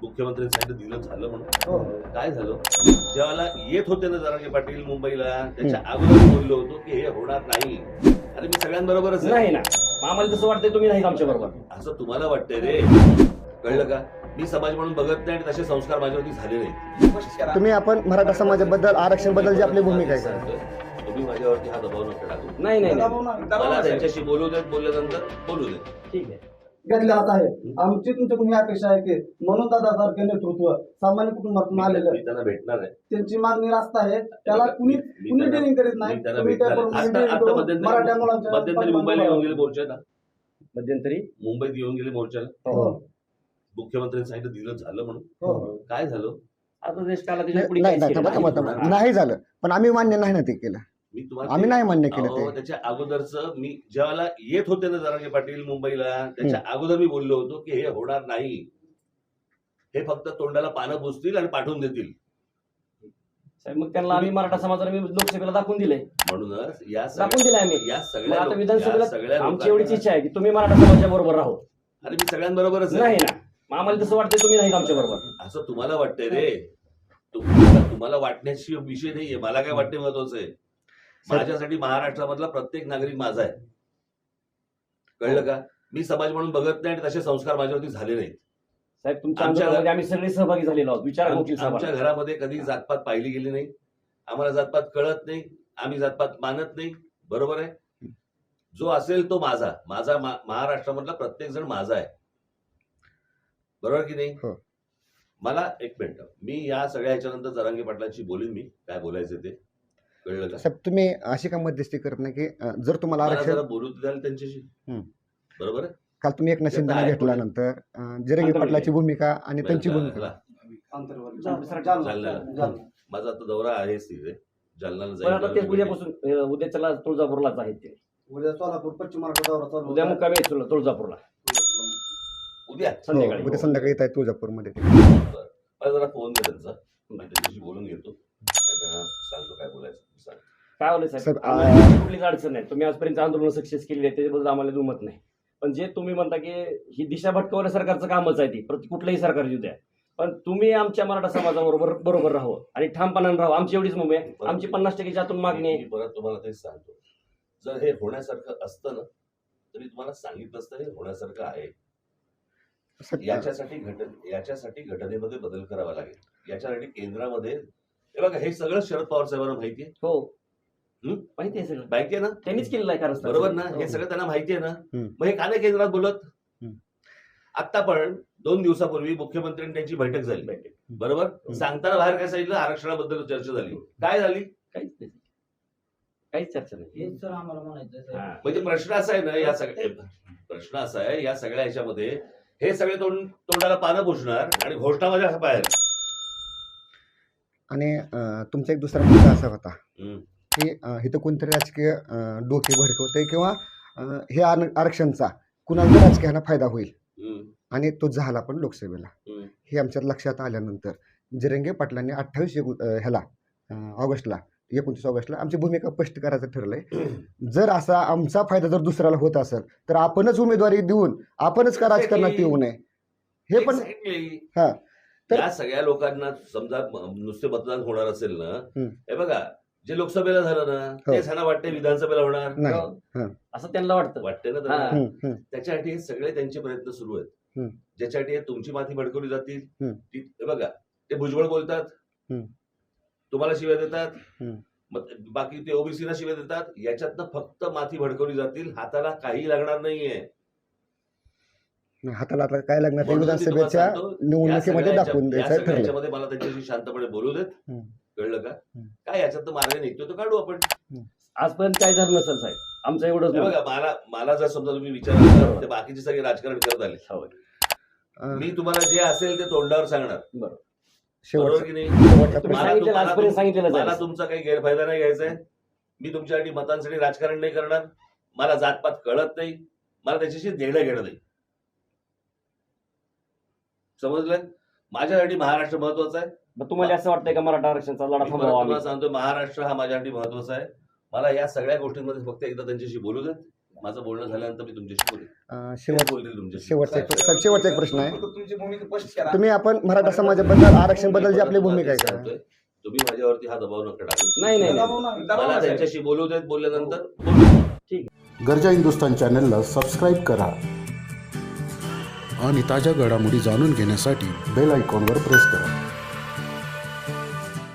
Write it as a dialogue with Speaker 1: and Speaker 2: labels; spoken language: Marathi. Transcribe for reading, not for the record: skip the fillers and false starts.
Speaker 1: मुख्यमंत्र्यांनी सांगितलं दिलं झालं म्हणून काय झालं ज्याला येत होते ना जरांगे पाटील मुंबईला त्याच्या अगोदर मी बोललो होतो की हे होणार नाही आणि मी सगळ्यांबरोबरच आहे.
Speaker 2: नाही ना आम्हाला तसं वाटतंय तुम्ही नाही आमच्या बरोबर
Speaker 1: असं तुम्हाला वाटतंय रे कळलं का मी समाज म्हणून बघत नाही आणि तसे संस्कार माझ्यावरती झाले नाही.
Speaker 3: तुम्ही आपण मराठा समाजाबद्दल आरक्षण बद्दल जी आपली भूमिका आहे
Speaker 1: सांगतोय, तुम्ही माझ्यावरती हा दबाव नका टाकू.
Speaker 2: नाही नाही
Speaker 1: मला त्यांच्याशी बोलू देत बोलल्यानंतर बोलू देत.
Speaker 2: ठीक आहे
Speaker 4: घेतले जात आहे. आमची तुमच्याकडून ही अपेक्षा आहे की म्हणून दादासारखे नेतृत्व सामान्य कुटुंबातून आलेलं
Speaker 1: मी त्यांना भेटणार आहे.
Speaker 4: त्यांची मागणी रास्त आहे त्याला कुणी
Speaker 1: मी
Speaker 4: कुणी
Speaker 1: त्यांना-
Speaker 4: ट्रेनिंग करीत नाही.
Speaker 1: मी त्यांना
Speaker 4: तुम्ही
Speaker 1: भेटणार
Speaker 4: त्याकडून
Speaker 1: आहे.
Speaker 4: training
Speaker 1: आता
Speaker 4: करून
Speaker 1: मध्यंतरी
Speaker 4: मराठा मुलांच्या
Speaker 1: मध्यंतरी मुंबईला येऊन गेले मोर्चाला
Speaker 2: मध्यंतरी
Speaker 1: मुंबईत येऊन गेले मोर्चाला
Speaker 4: हो.
Speaker 1: मुख्यमंत्र्यांनी सांगितलं दिलं झालं म्हणून
Speaker 4: हो.
Speaker 1: काय झालं
Speaker 2: आता देश काला त्याच्या पुढे
Speaker 3: नाही
Speaker 2: काहीच केलं
Speaker 3: थांबा,
Speaker 2: नाही.
Speaker 3: थांबा, थांबा. नाही झालं पण आम्ही मान्य नाही ना ते केलं.
Speaker 1: मी तुम्हाला
Speaker 3: आम्ही नाही मान्य केलं
Speaker 1: अहो,
Speaker 3: ते.
Speaker 1: त्याच्या अगोदरच मी ज्याला येत होते ना जरांगे पाटील मुंबईला त्याच्या अगोदर मी बोललो होतो की हे होणार नाही हे फक्त तोंडाला पानं पुसतील आणि पाठवून देतील
Speaker 2: साहेब, मग त्यांना आम्ही मराठा समाजाला मी लोकसभेला दाखवून दिले
Speaker 1: म्हणूनच या
Speaker 2: दाखवून दिले आम्ही
Speaker 1: या
Speaker 2: मग
Speaker 1: सगळ्या
Speaker 2: आता
Speaker 1: लोक-
Speaker 2: विधानसभेला
Speaker 1: या सगळ्या
Speaker 2: आमची एवढीच
Speaker 1: लोकांना-
Speaker 2: इच्छा आहे की तुम्ही मराठा समाजाच्या बरोबर राहो.
Speaker 1: अरे मी सगळ्यांबरोबरच आहे.
Speaker 2: नाही ना मग आम्हाला तसं वाटतंय तुम्ही नाही आमच्या बरोबर.
Speaker 1: असं तुम्हाला वाटतंय रे तुम्हाला वाटण्याची विषय नाहीये मला काय वाटणे महत्वाचं आहे माझ्यासाठी महाराष्ट्रामधला प्रत्येक नागरिक माझा आहे कळलं का मी समाज म्हणून बघत नाही आणि तसे संस्कार माझ्यावरती झाले नाहीत.
Speaker 2: साहेब तुमच्या
Speaker 1: आमच्या-
Speaker 2: आंदोलनामध्ये आम्ही सगळे सहभागी झालेलो आहोत विचार गोष्टी
Speaker 1: आमच्या घरामध्ये कधी जातपात पाहिली गेली नाही आम्हाला जातपात कळत नाही आम्ही जातपात मानत नाही बरोबर आहे जो असेल तो माझा माझा महाराष्ट्रामधला प्रत्येक जण माझा आहे बरोबर की नाही
Speaker 3: हो.
Speaker 1: मला एक मिनिट मी या सगळ्या ह्याच्यानंतर जरांगे पाटलांशी बोलीन मी काय बोलायचं ते कळलं का
Speaker 3: साहेब तुम्ही अशी का मध्यस्थी करत नाही की जर तुम्हाला
Speaker 1: मला
Speaker 3: आरक्षण
Speaker 1: जरा बोलू द्याल त्यांच्याशी
Speaker 3: हम्म.
Speaker 1: बरोबर आहे
Speaker 3: काल तुम्ही एकनाथ शिंदेना
Speaker 1: आहे.
Speaker 3: घेतल्यानंतर जिरंगी पाटलाची भूमिका आणि त्यांची भूमिका
Speaker 1: ह्याला-
Speaker 4: जालना.
Speaker 1: माझा आता दौरा आहेच तिथे जालन्याला
Speaker 2: पण आता ते
Speaker 1: जाईल
Speaker 2: उद्यापासून उद्याच्याला तुळजापूरलाच आहेत ते
Speaker 4: उद्या सोलापूर पश्चिम महाराष्ट्र दौरा चालू
Speaker 2: उद्या
Speaker 4: होता.
Speaker 2: मुक्कामी आहेत तुळजापूरला
Speaker 1: उद्या
Speaker 2: संध्याकाळी
Speaker 3: उद्या संध्याकाळी येत आहे तुळजापूरमध्ये
Speaker 1: मला जरा फोन दे त्यांचा मी त्यांच्याशी बोलून घेतो आणि त्यांना सांगतो काय बोलायचं सांग.
Speaker 2: काय होलं साहेब
Speaker 3: साहेब,
Speaker 2: आम्हाला कुठलीच अडचण नाही तुम्ही आजपर्यंत आंदोलन सक्सेस केली आहे त्याच्याबद्दल आम्हाला दुमत नाही पण जे तुम्ही म्हणता की ही दिशा भटकवण्या सरकारचं कामच आहे ती प्रति कुठलंही सरकार येऊ द्या पण तुम्ही आमच्या मराठा समाजाबरोबर राहू आणि ठामपणाने राहू आमची एवढीच मुंबई आहे आमची 50% आतून मागणी आहे
Speaker 1: मी परत तुम्हाला तेच सांगतो जर हे होण्यासारखं असतं ना तरी तुम्हाला सांगितलं असतं हे होण्यासारखं आहे याच्यासाठी घटनेमध्ये बदल करावा लागेल याच्यासाठी केंद्रामध्ये हे बघा हे सगळं शरद पवार साहेबांना माहिती आहे
Speaker 2: हो
Speaker 1: हम्म?
Speaker 2: माहिती आहे सगळं
Speaker 1: माहिती आहे ना
Speaker 2: त्यांनीच केलेलं आहे कारण
Speaker 1: बरोबर ना हे सगळं त्यांना माहिती आहे ना मग हे का नाही केंद्रात बोलत आता पण 2 दिवसापूर्वी मुख्यमंत्र्यांनी त्यांची बैठक झाली बरोबर सांगताना बाहेर काय सांगितलं आरक्षणाबद्दल चर्चा झाली काय झाली
Speaker 2: काहीच चर्चा नाही
Speaker 5: हेच तर आम्हाला म्हणायचं
Speaker 2: हा.
Speaker 1: म्हणजे प्रश्न असा आहे ना या सगळ्या प्रश्न असा आहे या सगळ्या ह्याच्यामध्ये हे सगळे तोंडाला पानं पुसणार आणि घोषणा माझ्या बाहेर
Speaker 3: आणि तुमचा एक दुसरा मुद्दा असा होता
Speaker 1: हम्म.
Speaker 3: की इथं कोणतरी राजकीय डोके भडकवतंय किंवा हे आरक्षणचा कुणाला राजकीयाला फायदा होईल
Speaker 1: हम्म.
Speaker 3: आणि तो झाला पण लोकसभेला
Speaker 1: हम्म.
Speaker 3: हे आमच्यात लक्षात आल्यानंतर जिरंगे पाटलांनी 28 ऑगस्टला 29 ऑगस्टला आमची भूमिका स्पष्ट करायचं ठरलंय जर असा आमचा फायदा जर दुसऱ्याला होत असेल तर आपणच उमेदवारी देऊन आपणच का राजकारणात येऊ नये हे पण
Speaker 1: Exactly.
Speaker 3: हा तर
Speaker 1: या सगळ्या लोकांना समजा नुसते मतदान होणार असेल ना
Speaker 3: हम्म.
Speaker 1: हे बघा जे लोकसभेला झालं ना तेच ह्यांना वाटते विधानसभेला होणार
Speaker 3: नाही
Speaker 2: असं त्यांना वाटतं
Speaker 1: वाटते ना
Speaker 2: हा.
Speaker 1: त्यांना त्याच्यासाठी हे सगळे त्यांचे प्रयत्न सुरू आहेत
Speaker 3: हम्म.
Speaker 1: ज्याच्यासाठी हे तुमची माती भडकवली जातील
Speaker 3: हम्म.
Speaker 1: हे बघा ते भुजबळ बोलतात
Speaker 3: हम्म.
Speaker 1: तुम्हाला शिव्या देतात
Speaker 3: हम्म.
Speaker 1: मग बाकी ते ओबीसीला शिव्या देतात याच्यातनं फक्त माती भडकवली जातील हाताला काही लागणार नाहीये
Speaker 3: हाताला आता काय लागणार ते
Speaker 1: म्हणून मी तुम्हाला
Speaker 3: विधानसभेच्या
Speaker 1: सांगतो, या
Speaker 3: निवडणुकीमध्ये
Speaker 1: सगळ्या
Speaker 3: दाखवून
Speaker 1: या
Speaker 3: द्यायचं
Speaker 1: सगळ्या
Speaker 3: ठरलं
Speaker 1: ह्याच्यामध्ये मला त्यांच्याशी शांतपणे बोलू देत
Speaker 3: हम्म.
Speaker 1: कळलं का
Speaker 3: हम्म.
Speaker 1: काय याच्यात मार्ग निघतो तो काढू आपण
Speaker 2: आजपर्यंत काय झालं नसेल साहेब आमचं एवढंच
Speaker 1: हे
Speaker 2: मत.
Speaker 1: बघा मला जर समजा तुम्ही विचारलं ते बाकीचे सगळे राजकारण करत आले
Speaker 2: हो.
Speaker 1: मी तुम्हाला जे असेल ते तोंडावर सांगणार
Speaker 2: बरोबर
Speaker 1: बरोबर
Speaker 3: शेवटचा
Speaker 1: की नाही
Speaker 3: शेवटचा
Speaker 2: तुम्ही
Speaker 1: मला
Speaker 2: सांगितलेलं
Speaker 1: तुम्हाला-
Speaker 2: आजपर्यंत सांगितलेलं
Speaker 1: मला
Speaker 2: आहे.
Speaker 1: तुमचा काही गैरफायदा नाही घ्यायचा आहे मी तुमच्यासाठी मतांसाठी राजकारण नाही करणार मला जातपात कळत नाही मला त्याच्याशी देणं घेणं नाही समजलं माझ्यासाठी महाराष्ट्र महत्वाचा आहे
Speaker 2: मग तुम्हाला असं वाटतंय का मराठा आरक्षणाचा लढा
Speaker 1: मी परत
Speaker 2: थांबवा
Speaker 1: तुम्हाला सांगतो महाराष्ट्र हा माझ्यासाठी महत्वाचा आहे मला या सगळ्या गोष्टींमध्ये फक्त एकदा त्यांच्याशी बोलू देत माझं बोलणं झाल्यानंतर मी तुमच्याशी बोलेन.
Speaker 3: अं,
Speaker 1: ते
Speaker 3: शेवट
Speaker 1: बोलतील तुमच्याशी.
Speaker 3: शेवटचा एक साहेब, शेवटचा एक प्रश्न आहे.
Speaker 5: फक्त तुमची भूमिका स्पष्ट करा.
Speaker 3: तुम्ही आपण मराठा समाजाबद्दल आरक्षण बद्दल जी आपली भूमिका आहे का?
Speaker 1: सांगतोय, तुम्ही माझ्यावरती हा दबाव नका टाकू.
Speaker 2: नाही नाही नाही.
Speaker 4: दबाव नाही.
Speaker 5: दबाव
Speaker 1: मला
Speaker 5: नाही.
Speaker 1: त्यांच्याशी बोलू देत, बोलल्यानंतर बोलू.
Speaker 6: गरजा हिंदुस्तान चॅनलला सबस्क्राईब करा आणि ताज्या घडामोडी जाणून घेण्यासाठी बेल आयकॉनवर प्रेस करा.